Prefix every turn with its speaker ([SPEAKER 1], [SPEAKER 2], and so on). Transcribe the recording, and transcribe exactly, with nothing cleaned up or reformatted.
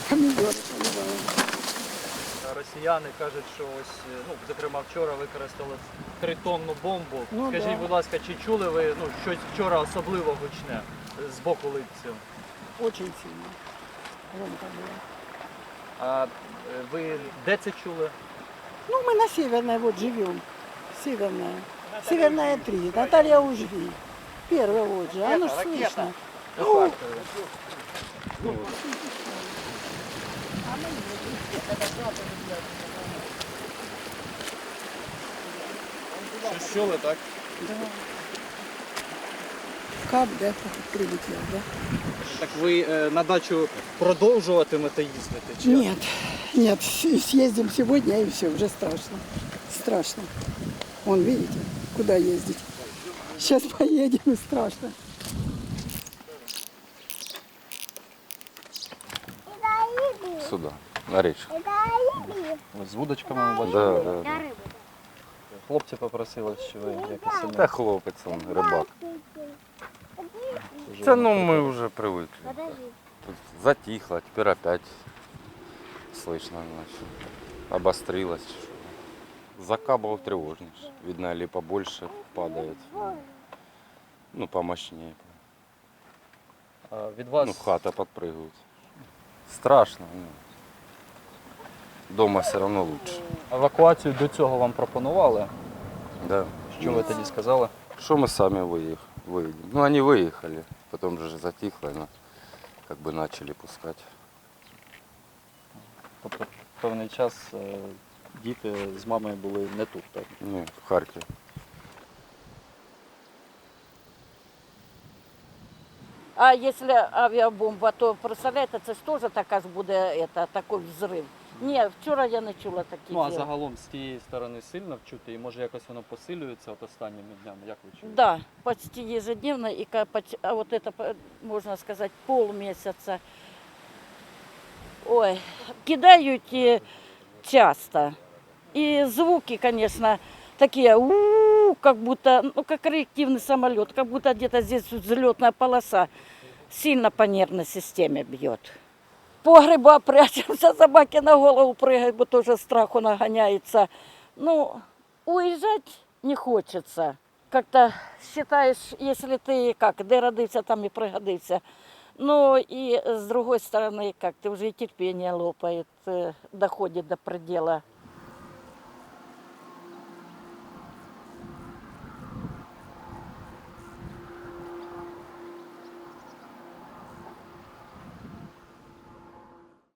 [SPEAKER 1] Помідори поливаємо.
[SPEAKER 2] Росіяни кажуть, що ось, ну, зокрема, вчора використали тритонну бомбу.
[SPEAKER 1] Ну,
[SPEAKER 2] Скажіть,
[SPEAKER 1] да.
[SPEAKER 2] будь ласка, чи чули ви, ну, щось вчора особливо гучне з боку липців?
[SPEAKER 1] Очень сильно. Громко було.
[SPEAKER 2] А е, ви де це чули?
[SPEAKER 1] Ну, мы на Северной вот живем. Северная. Северная три. Наталья Ужви. Первая вот же. Оно ж слышно.
[SPEAKER 2] У Харкові.
[SPEAKER 3] Щось чули, так?
[SPEAKER 1] Да. Кап, да, прилетел, да?
[SPEAKER 2] Так ви е, на дачу продовжуватимете їздити? Чи?
[SPEAKER 1] Нет, нет, с- съездим сегодня и все, уже страшно. Страшно. Вон, видите, куда ездить. Сейчас поедем и страшно.
[SPEAKER 4] Сюди, на річку.
[SPEAKER 2] Ось з вудочками ми
[SPEAKER 4] Да,
[SPEAKER 2] бачили.
[SPEAKER 4] да, да.
[SPEAKER 2] Хлопці попросили, що ви якось
[SPEAKER 4] Та
[SPEAKER 2] сильно.
[SPEAKER 4] хлопець, он, рибак. Це ну ми вже привикли. Тут затихло, тепер опять слышно, значит, обострилось. Закабов тревожнейше. Видно, или побольше падает. Ну, помощнее.
[SPEAKER 2] А, від вас
[SPEAKER 4] Ну, хата подпрыгивает. Страшно. Ну. Дома все равно лучше.
[SPEAKER 2] евакуацію до цього вам пропонували.
[SPEAKER 4] Да.
[SPEAKER 2] Що ви тоді сказали?
[SPEAKER 4] Что мы сами выех- выедем? Ну, они выехали, потом же затихло, но как бы начали пускать.
[SPEAKER 2] Тобто певний час е, діти з мамою були не тут, так?
[SPEAKER 4] Ну, в Харькове.
[SPEAKER 5] А если авіабомба, то представляєте, це ж теж така ж буде это, такий взрив. Ні, вчора я не чула такі
[SPEAKER 2] Ну а
[SPEAKER 5] діла.
[SPEAKER 2] загалом з тієї сторони сильно вчути і може якось воно посилюється от останніми днями, як ви чуєте?
[SPEAKER 5] Да, почти ежедневно, и ка- поч- а вот это, по- можно сказать, полмесяца. Ой, кидают и часто. И звуки, конечно, такие, у как будто, ну, как реактивный самолет, как будто где-то здесь взлетная полоса сильно по нервной системе бьет. Погреба прячемся, собаки на голову прыгают, бо тоже страху нагоняется. Ну, уезжать не хочется. Как-то считаешь, если ты как, де родився, там и пригодився. Ну и с другой стороны, как ты уже и терпение лопает, э, доходит до предела.